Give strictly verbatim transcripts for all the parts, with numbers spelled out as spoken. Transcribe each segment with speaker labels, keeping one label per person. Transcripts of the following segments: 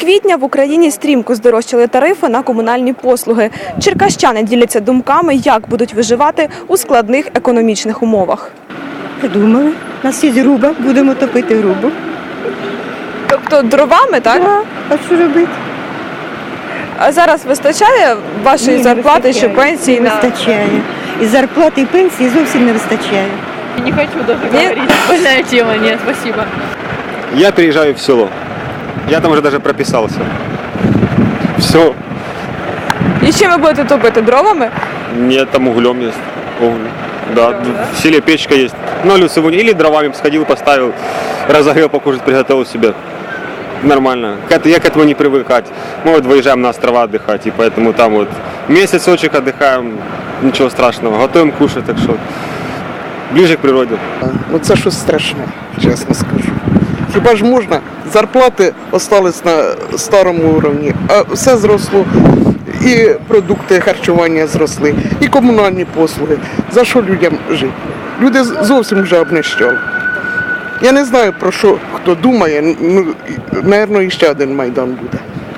Speaker 1: квітня в Україні стрімко здорожчали тарифи на комунальні послуги. Черкащани діляться думками, як будуть виживати у складних економічних умовах.
Speaker 2: Придумали. У нас є груба, будемо топити грубу.
Speaker 1: Тобто дровами, так?
Speaker 2: Так, а що робити?
Speaker 1: А зараз вистачає вашої
Speaker 2: Ні, не
Speaker 1: зарплати,
Speaker 2: вистачає.
Speaker 1: що пенсії?
Speaker 2: Не
Speaker 1: на-
Speaker 2: вистачає. І зарплати, і пенсії зовсім не вистачає.
Speaker 3: Не хочу даже
Speaker 1: Нет?
Speaker 3: говорить. Больная тема, нет, спасибо.
Speaker 4: Я переезжаю в село. Я там уже даже прописался. Все.
Speaker 1: І чим ви будете топити? Дровами?
Speaker 4: Нет, там углем есть. Уголь. Да, в селе печка есть. Ну, или сегодня, или дровами сходил, поставил, разогрел, покушать, приготовил себе. Нормально. К это- Я к этому не привыкать. Мы вот выезжаем на острова отдыхать, и поэтому там вот месяцочек отдыхаем, ничего страшного. Готовим кушать, так что ближе к природе.
Speaker 5: Ну це щось страшне, чесно скажу. Хіба ж можна? Зарплати остались на старому рівні, а все зросло. І продукти харчування зросли, і комунальні послуги. За що людям жити? Люди з- зовсім вже обнищали. Я не знаю, про що хто думає, ну, напевно, іще один Майдан буде.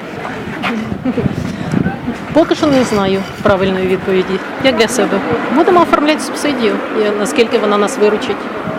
Speaker 3: Поки що не знаю правильної відповіді. Як для себе. Будемо оформляти субсидію, і наскільки вона нас виручить.